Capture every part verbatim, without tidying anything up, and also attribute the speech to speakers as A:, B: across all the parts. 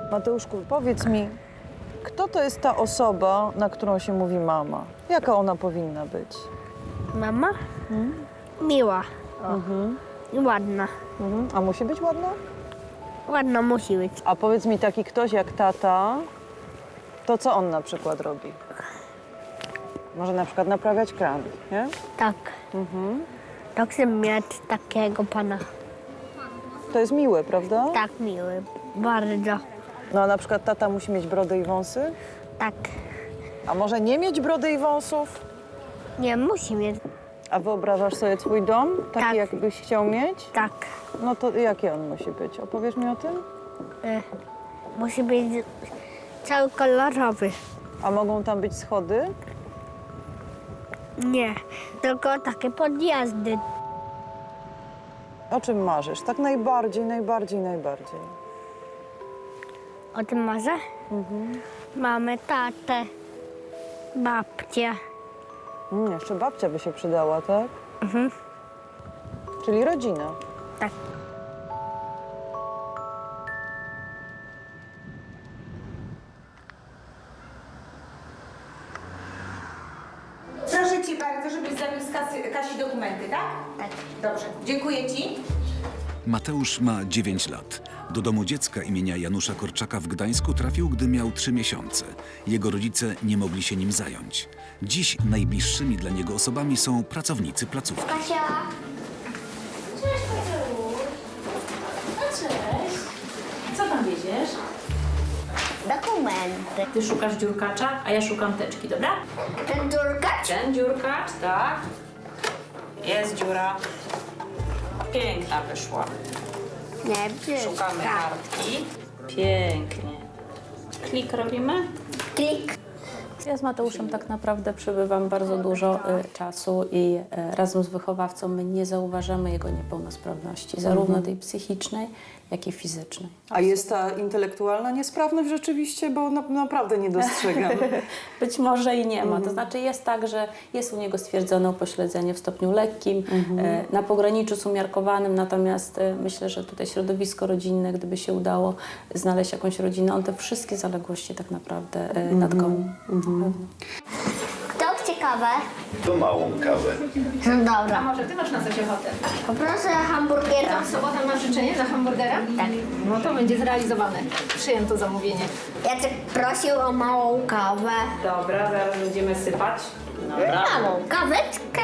A: Mateuszku, powiedz mi, kto to jest ta osoba, na którą się mówi mama? Jaka ona powinna być?
B: Mama? Hmm? Miła.
A: Mhm.
B: I ładna.
A: Mhm. A musi być ładna?
B: Ładna musi być.
A: A powiedz mi, taki ktoś jak tata, to co on na przykład robi? Może na przykład naprawiać kran, nie?
B: Tak.
A: Mhm.
B: Tak chcę mieć takiego pana.
A: To jest miłe, prawda?
B: Tak miły. Bardzo.
A: No a na przykład tata musi mieć brodę i wąsy?
B: Tak.
A: A może nie mieć brody i wąsów?
B: Nie, musi mieć.
A: A wyobrażasz sobie twój dom? Taki,
B: Tak.
A: jakbyś chciał mieć?
B: Tak.
A: No to jaki on musi być? Opowiesz mi o tym?
B: Y, musi być cały kolorowy.
A: A mogą tam być schody?
B: Nie, tylko takie podjazdy.
A: O czym marzysz? Tak najbardziej, najbardziej, najbardziej.
B: O tym marzę? Mhm. Mamy tatę, babcię.
A: Mm, jeszcze babcia by się przydała, tak?
B: Mhm.
A: Czyli rodzina.
B: Tak.
C: Proszę cię bardzo, żebyś zawiózł Kasi, Kasi dokumenty, tak?
B: Tak.
C: Dobrze, dziękuję ci.
D: Mateusz ma dziewięć lat. Do domu dziecka imienia Janusza Korczaka w Gdańsku trafił, gdy miał trzy miesiące. Jego rodzice nie mogli się nim zająć. Dziś najbliższymi dla niego osobami są pracownicy placówki.
B: Kasia.
E: Cześć, Mateusz. No cześć. Co tam wieziesz?
B: Dokumenty.
E: Ty szukasz dziurkacza, a ja szukam teczki, dobra?
B: Ten durkacz?
E: Ten dziurkacz, tak. Jest dziura. Piękna wyszła.
B: Nie,
E: Szukamy kartki. Pięknie. Klik robimy?
B: Klik.
F: Ja z Mateuszem tak naprawdę przebywam bardzo dużo y, czasu i y, razem z wychowawcą my nie zauważamy jego niepełnosprawności, zarówno tej psychicznej, jak i fizycznej.
A: A jest ta intelektualna niesprawność rzeczywiście? Bo na, naprawdę nie dostrzegam.
F: Być może i nie ma. To znaczy jest tak, że jest u niego stwierdzone upośledzenie w stopniu lekkim, y, na pograniczu z umiarkowanym, natomiast y, myślę, że tutaj środowisko rodzinne, gdyby się udało znaleźć jakąś rodzinę, on te wszystkie zaległości tak naprawdę y, nadgonił.
B: Kto chce kawę?
G: To małą kawę.
B: Dobra.
C: Może ty masz na coś ochotę?
B: Poproszę hamburgera.
C: Sobota masz życzenie na hamburgera?
B: Tak.
C: No to będzie zrealizowane. Przyjęto zamówienie.
B: Jacek prosił o małą kawę.
E: Dobra, zaraz będziemy sypać.
B: Małą kaweczkę.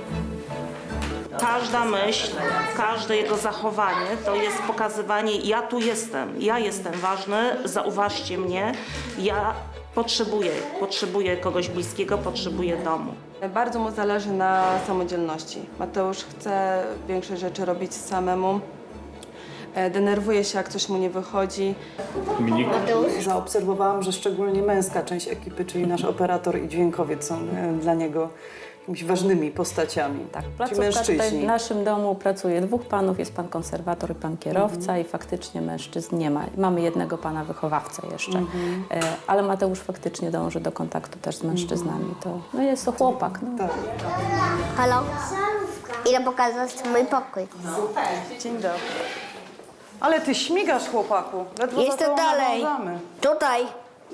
H: Każda myśl, każde jego zachowanie to jest pokazywanie, ja tu jestem, ja jestem ważny, zauważcie mnie, ja potrzebuję, potrzebuję kogoś bliskiego, potrzebuję domu.
I: Bardzo mu zależy na samodzielności. Mateusz chce większość rzeczy robić samemu. E, Denerwuje się, jak coś mu nie wychodzi.
A: Zaobserwowałam, że szczególnie męska część ekipy, czyli nasz operator i dźwiękowiec są e, dla niego jakimiś ważnymi postaciami.
F: Tak,
A: Ci
F: placówka tutaj w
A: mężczyźni.
F: naszym domu pracuje dwóch panów, jest pan konserwator i pan kierowca i faktycznie mężczyzn nie ma. Mamy jednego pana wychowawcę jeszcze, e, ale Mateusz faktycznie dąży do kontaktu też z mężczyznami. To, no jest to chłopak. No.
A: Tak.
B: Halo? Idę pokazać mój pokój.
A: Dzień dobry. Ale ty śmigasz, chłopaku. Ledwo za
B: Jestem
A: tobą
B: dalej.
A: nadążamy.
B: Tutaj.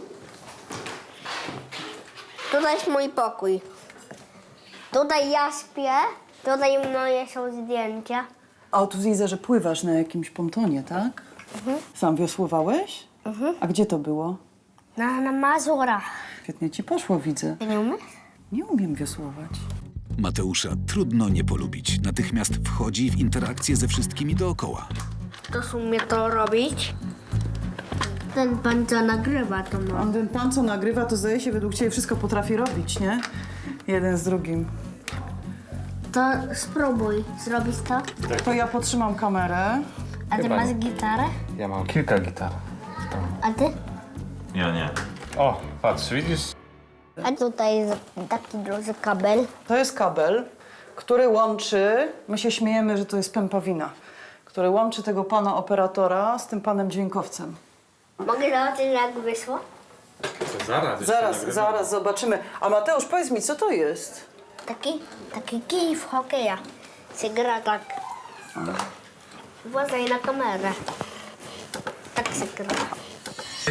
B: Tutaj jest mój pokój. Tutaj ja śpię. Tutaj moje są zdjęcia.
A: A tu widzę, że pływasz na jakimś pontonie, tak? Sam wiosłowałeś? A gdzie to było?
B: Na, na Mazurach.
A: Świetnie ci poszło, widzę.
B: Ty nie umiesz?
A: Nie umiem wiosłować.
D: Mateusza trudno nie polubić. Natychmiast wchodzi w interakcję ze wszystkimi dookoła.
B: To umie to robić. Ten pan, co nagrywa, to ma.
A: A ten pan, co nagrywa, to zdaje się, według ciebie wszystko potrafi robić, nie? Jeden z drugim.
B: To spróbuj zrobić to.
A: To ja potrzymam kamerę.
B: A ty masz gitarę?
J: Ja mam kilka gitar.
B: A ty?
G: Ja nie.
J: O, patrz, widzisz?
B: A tutaj jest taki duży kabel.
A: To jest kabel, który łączy, my się śmiejemy, że to jest pępowina, który łączy tego pana operatora z tym panem dźwiękowcem.
B: Mogę zobaczyć, jak wyszło?
J: To zaraz.
A: Zaraz, zaraz zobaczymy. A Mateusz, powiedz mi, co to jest?
B: Taki, taki kij w hokeja. Się gra tak. Uważaj na kamerę. Tak się gra.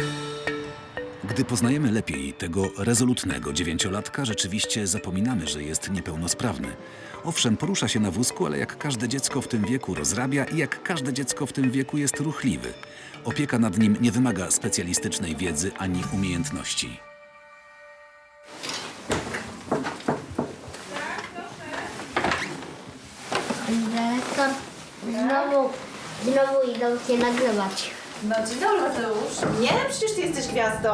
D: Gdy poznajemy lepiej tego rezolutnego dziewięciolatka, rzeczywiście zapominamy, że jest niepełnosprawny. Owszem, porusza się na wózku, ale jak każde dziecko w tym wieku rozrabia i jak każde dziecko w tym wieku jest ruchliwy. Opieka nad nim nie wymaga specjalistycznej wiedzy ani umiejętności.
B: Dyrektor, znowu, znowu idą cię nagrywać.
C: No dzień dobry, Mateusz. Nie, przecież ty jesteś gwiazdą.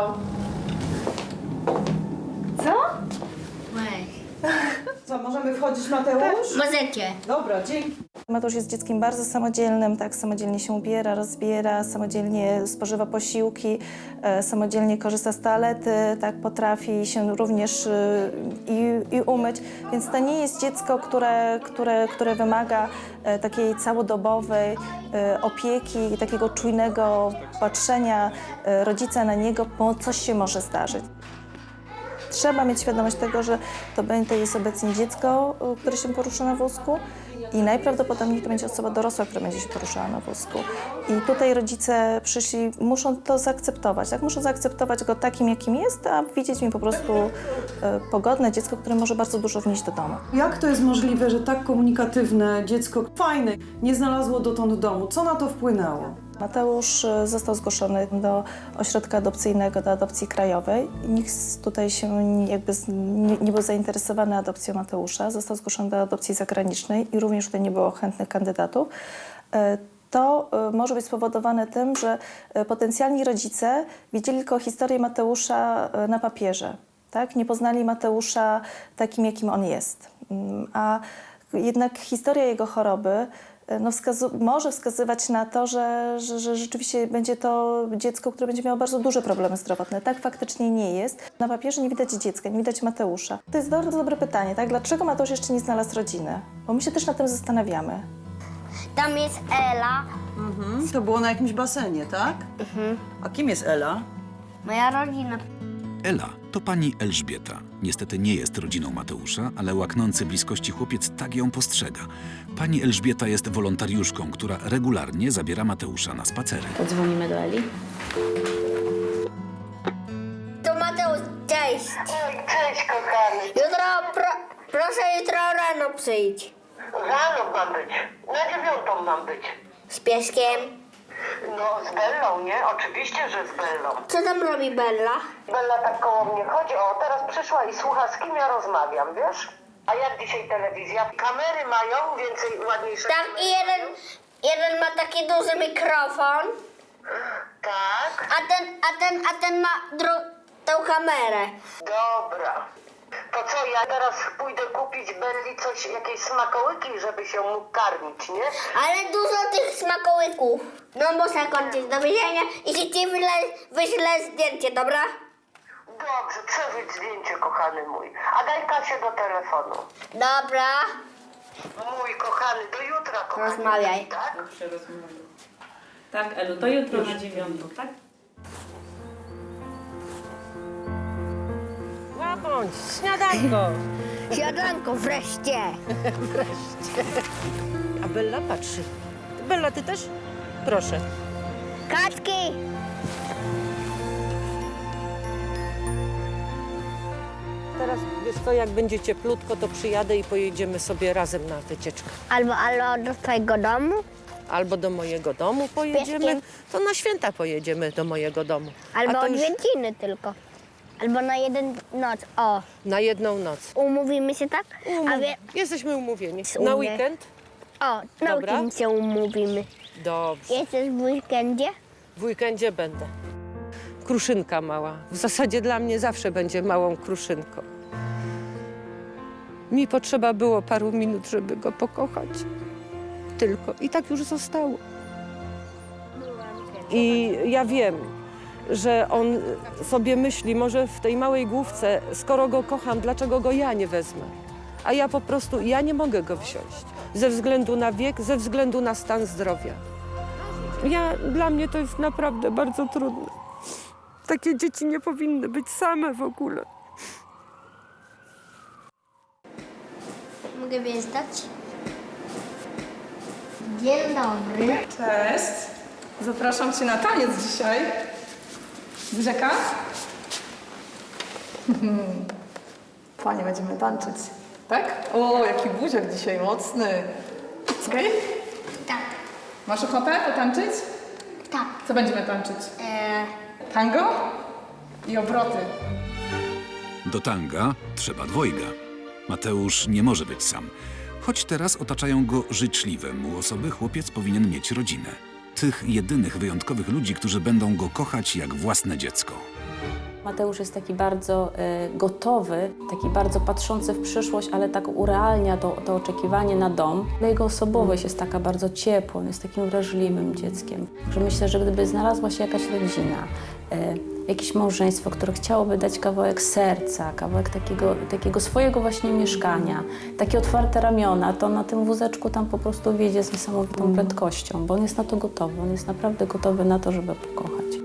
C: Co?
B: Weź.
A: Co, możemy wchodzić, Mateusz?
B: Możecie.
A: Dobra, dzięki.
K: Mateusz jest dzieckiem bardzo samodzielnym, tak, samodzielnie się ubiera, rozbiera, samodzielnie spożywa posiłki, e, samodzielnie korzysta z toalety, tak, potrafi się również e, i, i umyć, więc to nie jest dziecko, które, które, które wymaga e, takiej całodobowej e, opieki i takiego czujnego patrzenia e, rodzica na niego, bo coś się może zdarzyć. Trzeba mieć świadomość tego, że to będzie jest obecnie dziecko, które się porusza na wózku i najprawdopodobniej to będzie osoba dorosła, która będzie się poruszała na wózku. I tutaj rodzice przyszli, muszą to zaakceptować, tak? Muszą zaakceptować go takim, jakim jest, a widzieć w nim po prostu e, pogodne dziecko, które może bardzo dużo wnieść do domu.
A: Jak to jest możliwe, że tak komunikatywne dziecko, fajne, nie znalazło dotąd domu? Co na to wpłynęło?
K: Mateusz został zgłoszony do ośrodka adopcyjnego, do adopcji krajowej. Nikt tutaj się jakby nie, nie był zainteresowany adopcją Mateusza. Został zgłoszony do adopcji zagranicznej i również tutaj nie było chętnych kandydatów. To może być spowodowane tym, że potencjalni rodzice widzieli tylko historię Mateusza na papierze. Tak? Nie poznali Mateusza takim, jakim on jest. A jednak historia jego choroby no wskazu- może wskazywać na to, że, że, że rzeczywiście będzie to dziecko, które będzie miało bardzo duże problemy zdrowotne. Tak faktycznie nie jest. Na papierze nie widać dziecka, nie widać Mateusza. To jest bardzo dobre pytanie, tak? Dlaczego Mateusz jeszcze nie znalazł rodziny? Bo my się też nad tym zastanawiamy.
B: Tam jest Ela,
A: Mhm. To było na jakimś basenie, tak? Mhm. A kim jest Ela?
B: moja rodzina.
D: Ela to pani Elżbieta. Niestety nie jest rodziną Mateusza, ale łaknący bliskości chłopiec tak ją postrzega. Pani Elżbieta jest wolontariuszką, która regularnie zabiera Mateusza na spacery.
E: Podzwonimy do Eli.
B: To Mateusz, cześć.
L: Cześć, kochany.
B: Jutro, pro, proszę jutro rano przyjdź.
L: Rano mam być. Na dziewiątą mam być.
B: Z pieskiem.
L: No, z Bellą, nie? Oczywiście, że z Bellą.
B: Co tam robi Bella?
L: Bella tak koło mnie chodzi. O, teraz przyszła i słucha, z kim ja rozmawiam, wiesz? A jak dzisiaj telewizja? Kamery mają więcej ładniejsze.
B: Tak, i jeden, jeden ma taki duży mikrofon,
L: Tak?
B: a ten, a ten, a ten ma dru- tą kamerę.
L: Dobra. To co, ja teraz pójdę kupić Belli coś, jakieś smakołyki, żeby się mógł karmić, nie?
B: Ale dużo tych smakołyków. No muszę kończyć, do widzenia i ci ci wyślę, wyślę zdjęcie, dobra?
L: Dobrze, przeżyć zdjęcie, kochany mój. A daj Kasię do telefonu.
B: Dobra,
L: Mój kochany, do jutra, kochany.
B: rozmawiaj.
L: Tak?
E: Tak, Elu, to jutro na dziewiątą, tak?
L: Bądź, śniadanko.
B: Siadanko, wreszcie.
L: A Bella patrzy. Bella, ty też? Proszę.
B: Kaczki.
L: Teraz, wiesz co, jak będzie cieplutko, to przyjadę i pojedziemy sobie razem na wycieczkę.
B: Albo, albo do twojego domu,
L: Albo do mojego domu pojedziemy,
B: pieskiem.
L: to na święta pojedziemy do mojego domu.
B: albo
L: A to już
B: odwiedziny tylko. Albo na jeden noc. O,
L: na jedną noc.
B: umówimy się tak? A wie,
L: Jesteśmy umówieni.
B: Umówię.
L: Na weekend?
B: o, na
L: Dobra.
B: weekend się umówimy.
L: Dobrze.
B: Jesteś w weekendzie?
L: W weekendzie będę. Kruszynka mała. W zasadzie dla mnie zawsze będzie małą kruszynką. Mi potrzeba było paru minut, żeby go pokochać. Tylko. I tak już zostało. I ja wiem, że on sobie myśli, może w tej małej główce, skoro go kocham, dlaczego go ja nie wezmę? A ja po prostu, ja nie mogę go wziąć. Ze względu na wiek, ze względu na stan zdrowia. Ja, dla mnie to jest naprawdę bardzo trudne. Takie dzieci nie powinny być same w ogóle.
B: Mogę wjeżdżać? Dzień dobry.
C: Cześć. Zapraszam cię na taniec dzisiaj. Brzeka?
M: Panie, będziemy tańczyć. Tak? O, jaki buziak dzisiaj mocny. Okej?
B: Tak.
M: Masz ochotę potańczyć?
B: Tak.
M: Co będziemy tańczyć?
B: E,
M: Tango i obroty.
D: Do tanga trzeba dwojga. Mateusz nie może być sam. Choć teraz otaczają go życzliwe mu osoby, chłopiec powinien mieć rodzinę. Tych jedynych wyjątkowych ludzi, którzy będą go kochać jak własne dziecko.
F: Mateusz jest taki bardzo e, gotowy, taki bardzo patrzący w przyszłość, ale tak urealnia to, to oczekiwanie na dom. Ale jego osobowość jest taka bardzo ciepła, on jest takim wrażliwym dzieckiem. Że myślę, że gdyby znalazła się jakaś rodzina, e, jakieś małżeństwo, które chciałoby dać kawałek serca, kawałek takiego, takiego swojego właśnie mieszkania, takie otwarte ramiona, to na tym wózeczku tam po prostu wjedzie z niesamowitą prędkością, bo on jest na to gotowy, on jest naprawdę gotowy na to, żeby pokochać.